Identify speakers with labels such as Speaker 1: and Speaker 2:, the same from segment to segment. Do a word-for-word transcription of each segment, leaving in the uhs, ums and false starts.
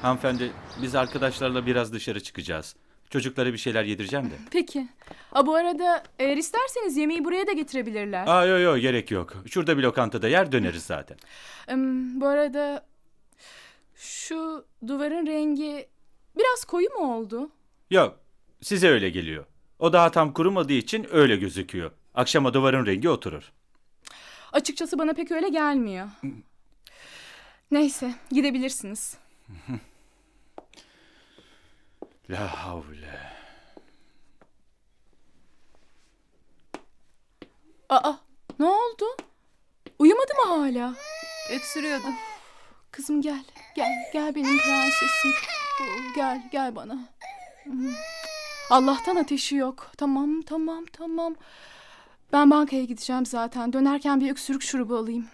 Speaker 1: Hanımefendi, biz arkadaşlarla biraz dışarı çıkacağız. Çocuklara bir şeyler yedireceğim de.
Speaker 2: Peki. A, bu arada eğer isterseniz yemeği buraya da getirebilirler.
Speaker 1: Aa yok yok gerek yok. Şurada bir lokantada yer döneriz zaten.
Speaker 2: Em, bu arada şu duvarın rengi biraz koyu mu oldu?
Speaker 1: Yok, size öyle geliyor. O daha tam kurumadığı için öyle gözüküyor. Akşama duvarın rengi oturur.
Speaker 2: Açıkçası bana pek öyle gelmiyor. Neyse, gidebilirsiniz.
Speaker 1: La havle.
Speaker 2: Aa, ne oldu? Uyumadı mı hala?
Speaker 3: Öksürüyordu.
Speaker 2: Kızım gel, gel, gel benim prensesim. Oo, Gel, gel bana. Hmm. Allah'tan ateşi yok. Tamam, tamam, tamam. Ben bankaya gideceğim zaten. Dönerken bir öksürük şurubu alayım.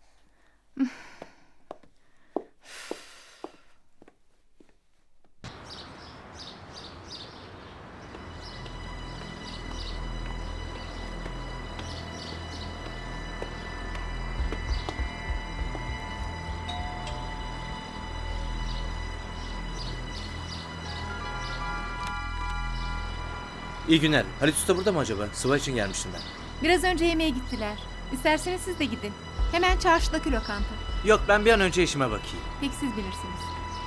Speaker 4: İyi günler. Halit Usta burada mı acaba? Sıva için gelmiştim ben.
Speaker 3: Biraz önce yemeğe gittiler. İsterseniz siz de gidin. Hemen çarşıdaki lokanta.
Speaker 4: Yok, ben bir an önce işime bakayım.
Speaker 3: Peki siz bilirsiniz.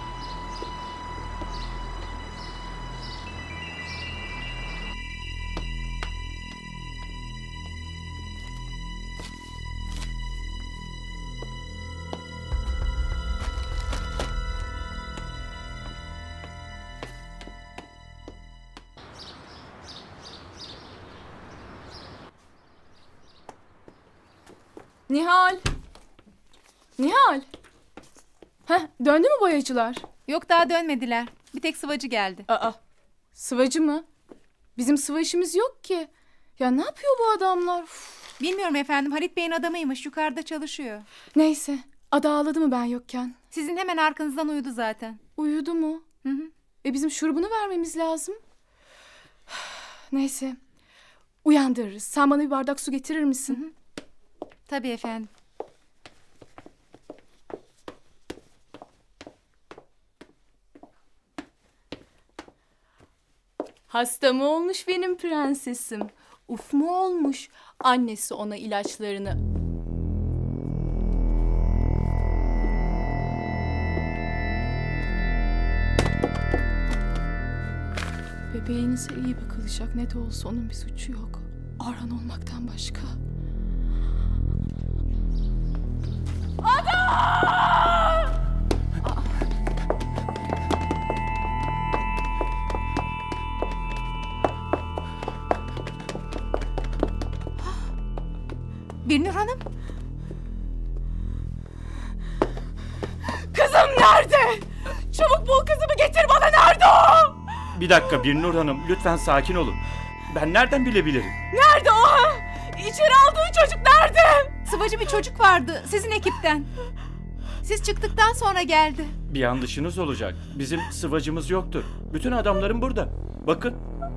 Speaker 2: Nihal! Nihal! Heh, döndü mü boyacılar?
Speaker 3: Yok, daha dönmediler. Bir tek sıvacı geldi.
Speaker 2: Aa, sıvacı mı? Bizim sıva işimiz yok ki. Ya ne yapıyor bu adamlar? Uf.
Speaker 3: Bilmiyorum efendim, Halit Bey'in adamıymış, yukarıda çalışıyor.
Speaker 2: Neyse, ada ağladı mı ben yokken?
Speaker 3: Sizin hemen arkanızdan uyudu zaten.
Speaker 2: Uyudu mu?
Speaker 3: Hı hı.
Speaker 2: E bizim şurubunu vermemiz lazım. Neyse, uyandırırız. Sen bana bir bardak su getirir misin?
Speaker 3: Tabii efendim.
Speaker 2: Hasta mı olmuş benim prensesim? Uf mu olmuş? Annesi ona ilaçlarını... Bebeğinize iyi bakılacak. Ne de olsa onun bir suçu yok. Aran olmaktan başka.
Speaker 3: Birnur Hanım.
Speaker 2: Kızım nerede? Çabuk bul kızımı getir bana, nerede o?
Speaker 1: Bir dakika Birnur Hanım, lütfen sakin olun. Ben nereden bilebilirim?
Speaker 2: Nerede o? İçeri aldığı çocuk nerede?
Speaker 3: Sıvacı bir çocuk vardı sizin ekipten. Siz çıktıktan sonra geldi.
Speaker 1: Bir yanlışınız olacak. Bizim sıvacımız yoktur. Bütün adamlarım burada. Bakın.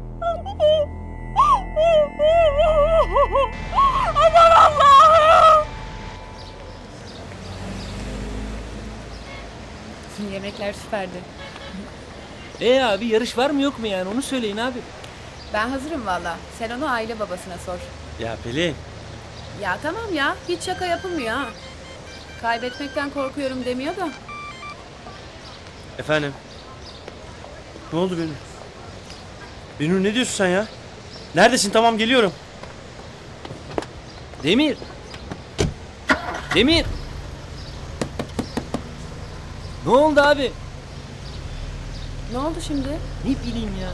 Speaker 2: Aman Allah'ım!
Speaker 5: Şimdi yemekler süperdi.
Speaker 6: E abi, yarış var mı yok mu yani, onu söyleyin abi.
Speaker 5: Ben hazırım valla. Sen onu aile babasına sor.
Speaker 4: Ya Pelin.
Speaker 5: Ya tamam ya. Hiç şaka yapılmıyor ha. Kaybetmekten korkuyorum demiyor da.
Speaker 4: Efendim? Ne oldu Benur? Benur, ne diyorsun sen ya? Neredesin? Tamam, geliyorum.
Speaker 6: Demir. Demir. Ne oldu abi?
Speaker 5: Ne oldu şimdi?
Speaker 6: Ne bileyim ya.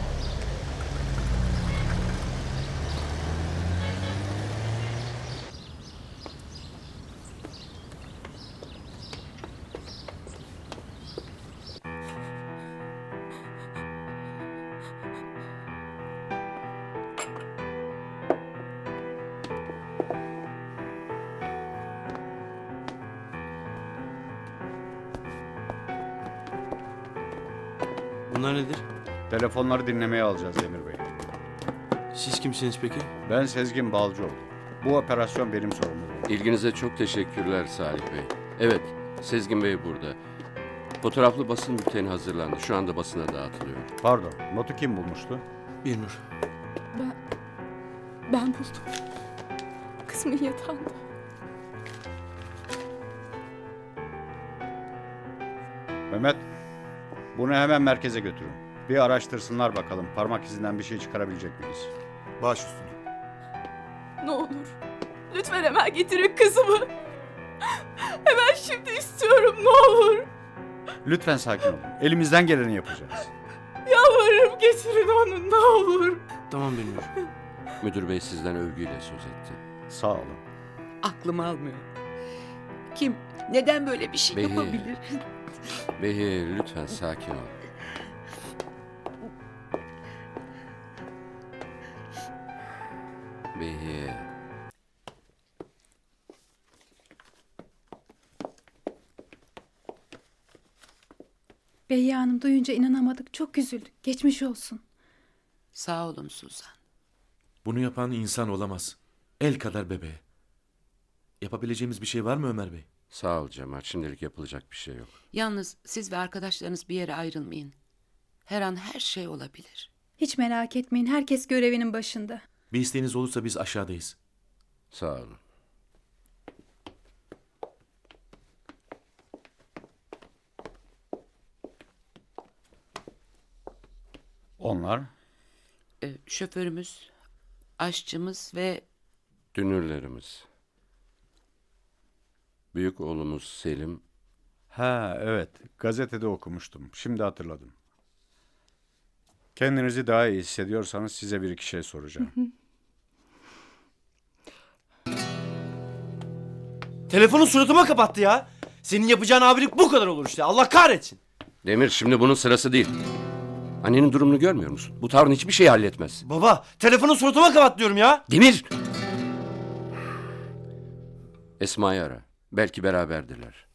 Speaker 4: Bunlar nedir?
Speaker 7: Telefonları dinlemeye alacağız Demir Bey.
Speaker 4: Siz kimsiniz peki?
Speaker 7: Ben Sezgin Balcıoğlu. Bu operasyon benim sorumluluğum.
Speaker 8: İlginize çok teşekkürler Salih Bey. Evet, Sezgin Bey burada. Fotoğraflı basın bülteni hazırlandı. Şu anda basına dağıtılıyor.
Speaker 7: Pardon, notu kim bulmuştu?
Speaker 4: Bir nur.
Speaker 2: Ben, ben buldum. Kızımın yatağında.
Speaker 7: Mehmet, bunu hemen merkeze götürün. Bir araştırsınlar bakalım parmak izinden bir şey çıkarabilecek miyiz?
Speaker 9: Baş üstüne.
Speaker 2: Ne olur. Lütfen hemen getirin kızımı. Hemen şimdi istiyorum ne olur.
Speaker 7: Lütfen sakin olun. Elimizden geleni yapacağız.
Speaker 2: Yalvarırım getirin onu ne olur.
Speaker 4: Tamam bir nur.
Speaker 8: Müdür bey sizden övgüyle söz etti.
Speaker 7: Sağ olun.
Speaker 10: Aklım almıyor. Kim, neden böyle bir şey
Speaker 8: Behi.
Speaker 10: yapabilir?
Speaker 8: Behi lütfen sakin ol. Behi.
Speaker 3: Beyye Hanım duyunca inanamadık. Çok üzüldük. Geçmiş olsun.
Speaker 10: Sağ olun Suzan.
Speaker 9: Bunu yapan insan olamaz. El kadar bebeğe. Yapabileceğimiz bir şey var mı Ömer Bey?
Speaker 8: Sağ ol Cemal. Şimdilik yapılacak bir şey yok.
Speaker 10: Yalnız siz ve arkadaşlarınız bir yere ayrılmayın. Her an her şey olabilir.
Speaker 3: Hiç merak etmeyin. Herkes görevinin başında.
Speaker 9: Bir isteğiniz olursa biz aşağıdayız.
Speaker 8: Sağ olun.
Speaker 7: Onlar?
Speaker 10: Ee, şoförümüz, aşçımız ve
Speaker 8: Dünürlerimiz. Büyük oğlumuz Selim.
Speaker 7: Ha evet, gazetede okumuştum. Şimdi hatırladım. Kendinizi daha iyi hissediyorsanız size bir iki şey soracağım.
Speaker 4: Telefonu suratıma kapattı ya. Senin yapacağın abilik bu kadar olur işte. Allah kahretsin.
Speaker 8: Demir şimdi bunun sırası değil. Annenin durumunu görmüyor musun? Bu tavrın hiçbir şeyi halletmez.
Speaker 4: Baba telefonu suratıma kapat diyorum ya.
Speaker 8: Demir! Esma'yı ara. Belki beraberdirler.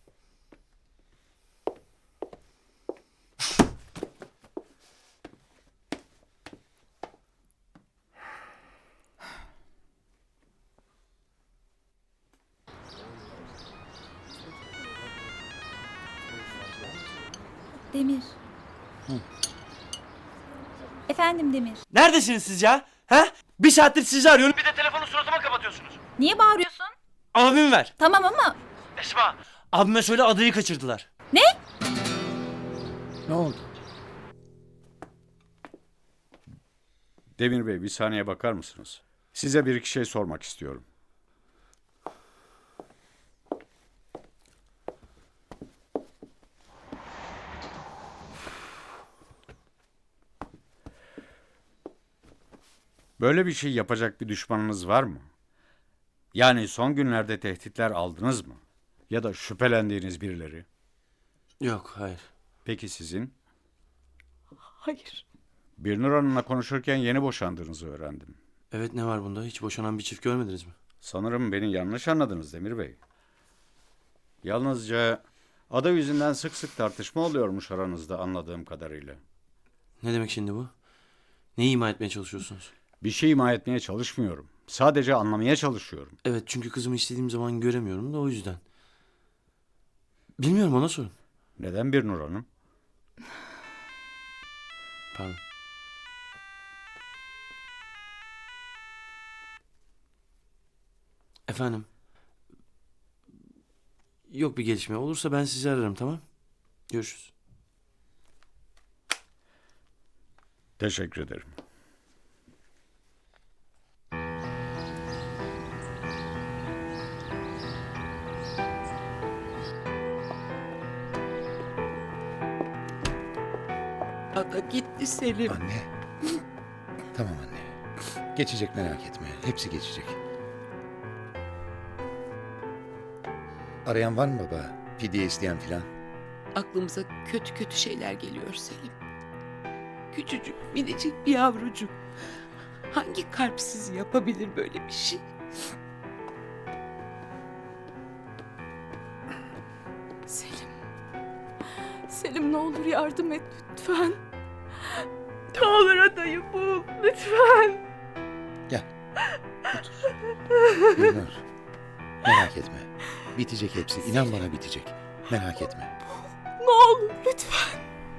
Speaker 11: Demir. Efendim Demir.
Speaker 4: Neredesiniz siz ya? He? Bir saattir sizi arıyorum. Bir de telefonu suratıma kapatıyorsunuz.
Speaker 11: Niye bağırıyorsun?
Speaker 4: Abimi ver.
Speaker 11: Tamam ama
Speaker 4: Esma. Abime söyle adayı kaçırdılar.
Speaker 11: ne?
Speaker 7: Ne oldu? Demir Bey bir saniye bakar mısınız? Size bir iki şey sormak istiyorum. Böyle bir şey yapacak bir düşmanınız var mı? Yani son günlerde tehditler aldınız mı? Ya da şüphelendiğiniz birileri?
Speaker 4: Yok hayır.
Speaker 7: Peki sizin?
Speaker 2: Hayır.
Speaker 7: Birnur Hanım'la konuşurken yeni boşandığınızı öğrendim.
Speaker 4: Evet ne var bunda? Hiç boşanan bir çift görmediniz mi?
Speaker 7: Sanırım beni yanlış anladınız Demir Bey. Yalnızca ada yüzünden sık sık tartışma oluyormuş aranızda anladığım kadarıyla.
Speaker 4: Ne demek şimdi bu? Neyi ima etmeye çalışıyorsunuz?
Speaker 7: Bir şey ima etmeye çalışmıyorum. Sadece anlamaya çalışıyorum.
Speaker 4: Evet çünkü kızımı istediğim zaman göremiyorum da o yüzden. Bilmiyorum ona sorun.
Speaker 7: Neden Birnur Hanım?
Speaker 4: Pardon. Efendim. Yok bir gelişme. Olursa ben sizi ararım tamam? Görüşürüz.
Speaker 7: Teşekkür ederim.
Speaker 10: ada gitti Selim.
Speaker 12: Anne. Tamam anne. Geçecek merak etme. Hepsi geçecek. Arayan var mı baba? Fidye isteyen filan?
Speaker 10: Aklımıza kötü kötü şeyler geliyor Selim. Küçücük, minicik bir yavrucuk. Hangi kalpsiz yapabilir böyle bir şey?
Speaker 2: Selim. Selim ne olur yardım et lütfen. Ne olur adayı bul lütfen.
Speaker 12: Gel. Otur. Gülnur. Merak etme. Bitecek hepsi. İnan bana bitecek. Merak etme.
Speaker 2: Ne olur lütfen.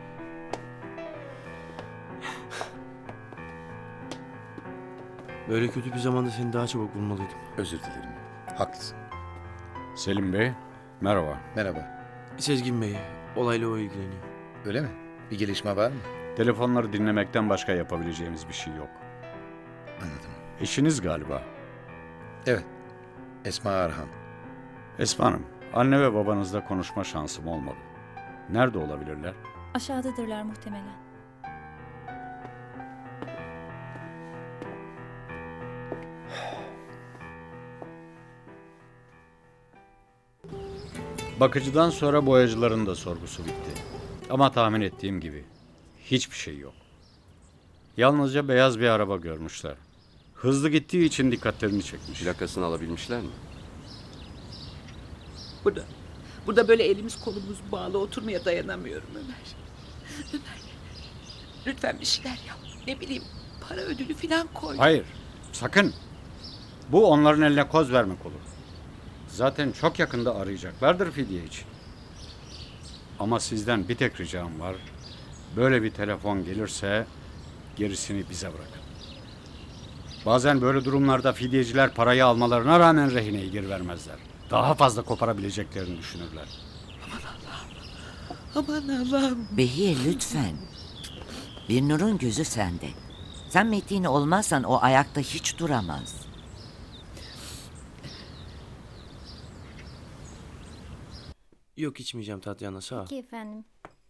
Speaker 4: Böyle kötü bir zamanda seni daha çabuk bulmalıydım.
Speaker 12: Özür dilerim. Haklısın.
Speaker 7: Selim Bey, merhaba.
Speaker 12: Merhaba.
Speaker 4: Sezgin Bey, olayla o ilgileniyor.
Speaker 12: Öyle mi? Bir gelişme var mı?
Speaker 7: Telefonları dinlemekten başka yapabileceğimiz bir şey yok.
Speaker 12: Anladım.
Speaker 7: Eşiniz galiba.
Speaker 12: Evet. Esma Arhan.
Speaker 7: Esma Hanım, anne ve babanızla konuşma şansım olmadı. Nerede olabilirler?
Speaker 11: Aşağıdadırlar muhtemelen.
Speaker 7: Bakıcıdan sonra boyacıların da sorgusu bitti. Ama tahmin ettiğim gibi hiçbir şey yok. Yalnızca beyaz bir araba görmüşler. Hızlı gittiği için dikkatlerini çekmiş.
Speaker 8: Plakasını alabilmişler mi?
Speaker 10: Burada, burada böyle elimiz kolumuz bağlı oturmaya dayanamıyorum Ömer. Ömer, lütfen bir şeyler yap. Ne bileyim, para ödülü falan koy.
Speaker 7: Hayır, sakın. Bu onların eline koz vermek olur. Zaten çok yakında arayacaklardır fidye için. Ama sizden bir tek ricam var. Böyle bir telefon gelirse gerisini bize bırakın. Bazen böyle durumlarda fidyeciler parayı almalarına rağmen rehineyi geri vermezler. Daha fazla koparabileceklerini düşünürler.
Speaker 10: Aman Allah'ım.
Speaker 13: Behiye lütfen. Bir Nur'un gözü sende. Sen Metin olmazsan o ayakta hiç duramaz.
Speaker 4: Yok içmeyeceğim Tatyana, sağ ol.
Speaker 11: Peki efendim.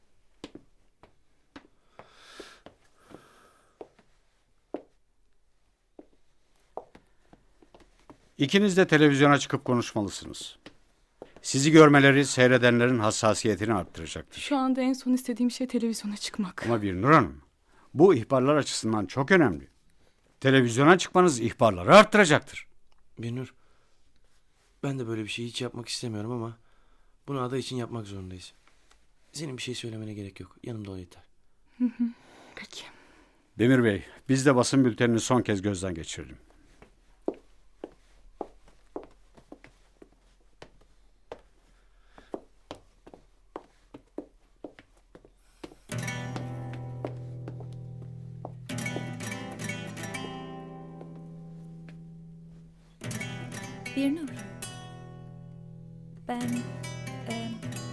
Speaker 7: İkiniz de televizyona çıkıp konuşmalısınız. Sizi görmeleri seyredenlerin hassasiyetini arttıracaktır.
Speaker 2: Şu anda en son istediğim şey televizyona çıkmak.
Speaker 7: Ama bir Nur Hanım, bu ihbarlar açısından çok önemli. Televizyona çıkmanız ihbarları arttıracaktır.
Speaker 4: Binur, ben de böyle bir şey hiç yapmak istemiyorum ama bunu ada için yapmak zorundayız. Senin bir şey söylemene gerek yok. Yanımda ol yeter.
Speaker 2: Peki.
Speaker 7: Demir Bey, biz de basın bültenini son kez gözden geçirelim.
Speaker 11: Bir Nur. Ben... E,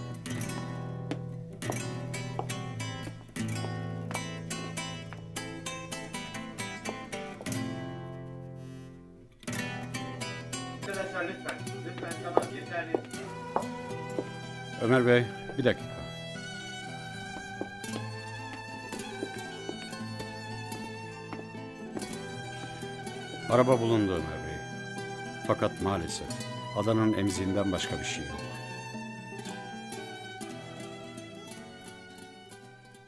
Speaker 7: Arkadaşlar lütfen, lütfen tamam yeterli. Ömer Bey, bir dakika. Araba bulundu Ömer Bey. Fakat maalesef adanın emziğinden başka bir şey yok.